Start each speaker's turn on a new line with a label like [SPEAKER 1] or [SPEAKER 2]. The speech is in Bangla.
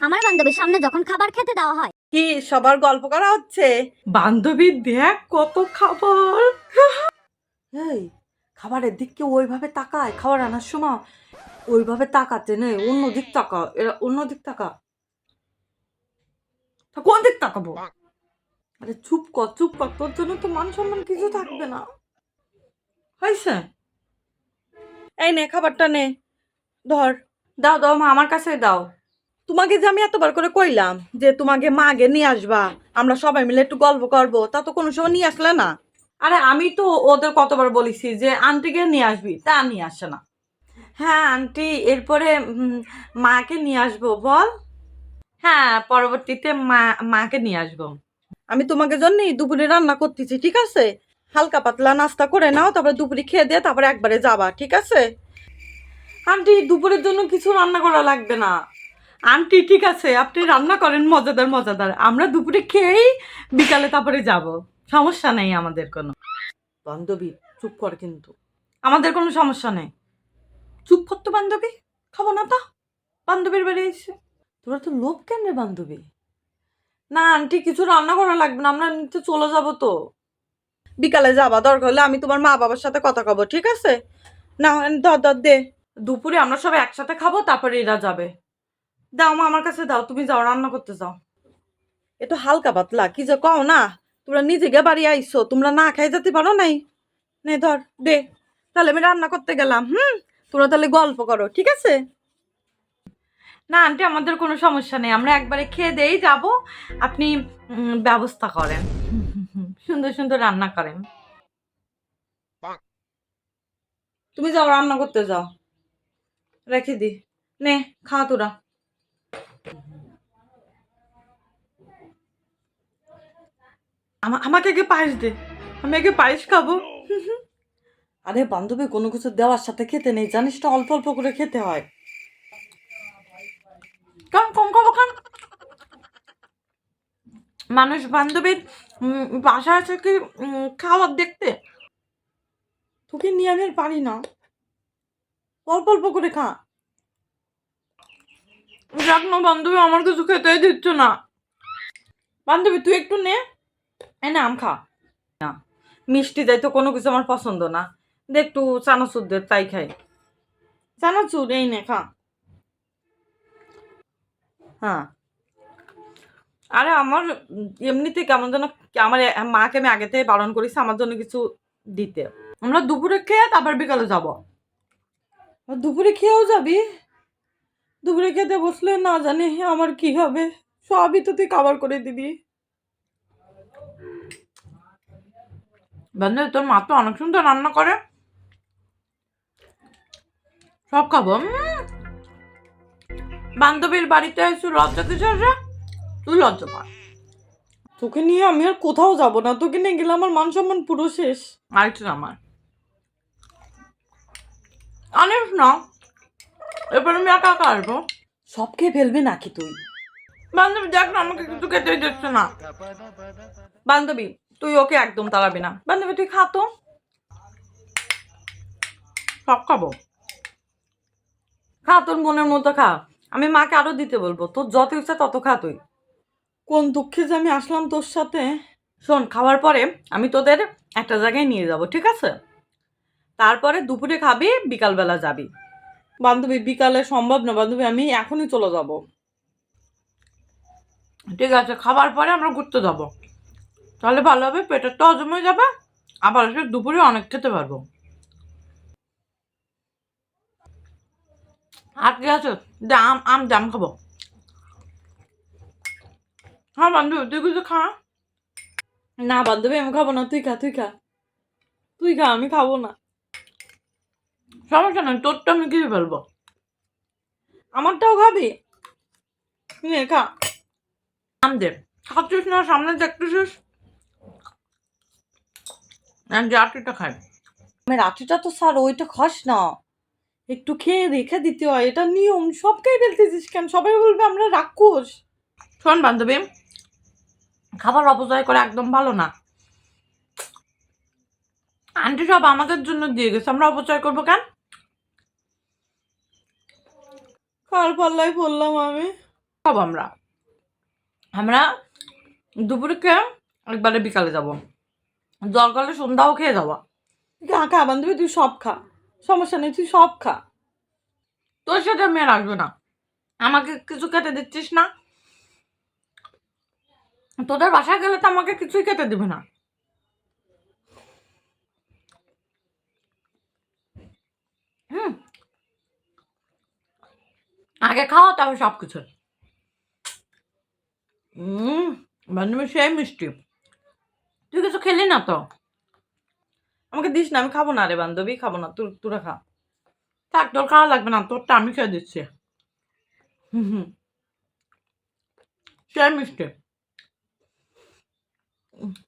[SPEAKER 1] আমার বান্ধবীর সামনে যখন খাবার খেতে দেওয়া হয়।
[SPEAKER 2] কি সবার গল্প করা হচ্ছে? বান্ধবী দেখ কত খাবার। এই খাবারের দিকে ওইভাবে তাকায়, খাবার আনার সময় ওইভাবে তাকাতে নেই, অন্যদিক তাকা, এরা অন্যদিক তাকা। কোন দিক তাকাবো? আরে চুপ কর, চুপ কর, তোর জন্য তো মান সম্মান কিছু থাকবে না। হয়েছে? এই নে খাবারটা নে, ধর। দাও দাও মা, আমার কাছে দাও। তোমাকে যে আমি এতবার করে কইলাম যে তোমাকে মাগে নিয়ে আসবা, আমরা সবাই মিলে একটু গল্প করবো, তা তো কোনো সময় নিয়ে আসলে না। আরে আমি তো ওদের কতবার বলেছি যে আন্টিকে নিয়ে আসবি, তা নিয়ে আসে না। হ্যাঁ আন্টি, এরপরে মাকে নিয়ে আসবো বল। হ্যাঁ পরবর্তীতে মাকে নিয়ে আসবো। আমি তোমাকে জন্য দুপুরে রান্না করতেছি, ঠিক আছে? হালকা পাতলা নাস্তা করে নাও, তারপরে দুপুরে খেয়ে দিয়ে তারপরে একবারে যাবা, ঠিক আছে? আন্টি দুপুরের জন্য কিছু রান্না করা লাগবে না। আন্টি ঠিক আছে, আপনি রান্না করেন মজাদার মজাদার, আমরা দুপুরে খেয়েই বিকালে তারপরে যাব, সমস্যা নেই আমাদের কোনো। বান্ধবী চুপ কর, কিন্তু আমাদের কোনো সমস্যা নেই। চুপ করতো বান্ধবী, খাবো না তা। বান্ধবীর বাড়ি এসে তোরা তো লোভ কেন রে বান্ধবী? না আন্টি কিছু রান্না করা লাগবে না, আমরা নিচে চলে যাব তো। বিকালে যাবা, দরকার হলে আমি তোমার মা বাবার সাথে কথা কব, ঠিক আছে? না ধর ধর দে। দুপুরে আমরা সবাই একসাথে খাবো, তারপরে এরা যাবে। দাও মা, আমার কাছে দাও, তুমি যাও রান্না করতে যাও। একটু হালকা পাতলা কি যে কও না, তোমরা নিজে গে বাড়ি আইসো, তোমরা না খাই যেতে পারো নাই। নে ধর দে, তাহলে আমি রান্না করতে গেলাম। তোমরা তাহলে গল্প করো, ঠিক আছে? না আন্টি আমাদের কোনো সমস্যা নেই, আমরা একবারে খেয়ে দেই যাব, আপনি ব্যবস্থা করেন, সুন্দর সুন্দর রান্না করেন। তুমি যাও রান্না করতে যাও, রেখে দি। নে খা তোরা। আমাকে আগে পায়েস দে, আমি আগে পায়েস খাবো। আরে বান্ধবী কোনো কিছু দেওয়ার সাথে খেতে নেই, জানিস তো, অল্প অল্প করে খেতে হয়। কারণ কম খাবো খান, মানুষ বান্ধবীর বাসা আছে কি খাওয়ার দেখতে? তোকে নিয়ে আমি আর পারি না, অল্প অল্প করে খা। দেখ না বান্ধবী আমার কিছু খেতেই দিচ্ছ না। বান্ধবী তুই একটু নে, এনে আম খা। না মিষ্টি যাই তো কোনো কিছু আমার পছন্দ না, দে একটু চানাচুর দে, তাই খাই। চানাচুর এই নে খা। হ্যাঁ আরে আমার এমনিতে কেমন যেন, আমার মাকে আমি আগে থেকে বারণ করেছি আমার জন্য কিছু দিতে। আমরা দুপুরে খেয়ে তারপর বিকালে যাবো। দুপুরে খেয়েও যাবি? দুপুরে খেতে বসলে না জানি আমার কি হবে, সবই তো তুই কাভার করে দিবি। বান্ধবী তোর মা তো অনেক সুন্দর রান্না করে, সব খাবো। বান্ধবীর বাড়িতে এসে লজ্জা কিসের রে? তুই লজ্জা পা। তোকে নিয়ে আমি আর কোথাও যাব না, তোকে নিয়ে গেলে আমার মান সম্মান পুরো শেষ। আরেকটু আমার আনিস না, এবার আমি একা একা আসবো। সব খেয়ে ফেলবি নাকি তুই? বান্ধবী দেখ না আমাকে কিছু খেতেই দিচ্ছে না। বান্ধবী তুই ওকে একদম তাড়াবি না, বান্ধবী তুই খা তো, সব খাবো। খা তোর মনের মতো খা, আমি মাকে আরো দিতে বলবো, তোর যত ইচ্ছা তত খা তুই। কোন দুঃখে যে আমি আসলাম তোর সাথে। শোন খাওয়ার পরে আমি তোদের একটা জায়গায় নিয়ে যাব, ঠিক আছে? তারপরে দুপুরে খাবি, বিকালবেলা যাবি। বান্ধবী বিকালে সম্ভব না বান্ধবী, আমি এখনই চলে যাব। ঠিক আছে খাবার পরে আমরা ঘুরতে যাব, তাহলে ভালো হবে, পেটের তো হজম হয়ে যাবে, আবার এসে দুপুরে অনেক খেতে পারবো। আর কি আছে? আম আম জাম খাবো। হ্যাঁ বান্ধবী তুই কিছু খা। না বান্ধবী আমি খাবো না, তুই খা তুই খা তুই খা, আমি খাবো না। সমস্যা নেই, তোরটা আমি খেয়ে ফেলবো। আমারটাও খাবি? নে খা। আম দে, খাচ্ছিস না, সামনে দেখতেছিস। আটিটা খাই। আমার আটিটা তো স্যার ওইটা খাস না, একটু খেয়ে রেখে দিতে হয়, এটা নিয়ম। সব খেয়ে ফেলতেছিস কেন? সবাই বলবে আমরা রাক্ষস। শোন বান্ধবী, খাবার অপচয় করে একদম ভালো না। আন্টি সব আমাদের জন্য দিয়ে গেছে, আমরা অপচয় করবো কেন? কার পাল্লায় পড়লাম আমি? খাবো আমরা আমরা দুপুরে খেয়ে একবারে বিকালে যাবো, দরকার হলে সন্ধ্যাও খেয়ে যাবো। খা খা বান্ধবী, তুই সব খা, সমস্যা নেই, তুই সব খা। তোর সাথে আমি আর আসবো না, আমাকে কিছু খেতে দিচ্ছিস না। তোদের বাসায় গেলে তো আমাকে কিছুই খেতে দিবে না। আগে খাওয়া তারপর সব কিছু। বান্ধবী সেই মিষ্টি, তুই কিছু খেলি না তো, আমাকে দিস না, আমি খাবো না রে বান্ধবী, খাবো না, তোরা খা। থাক, তোর খাওয়া লাগবে না, তোরটা আমি খেয়ে দিচ্ছি। সেই মিষ্টি।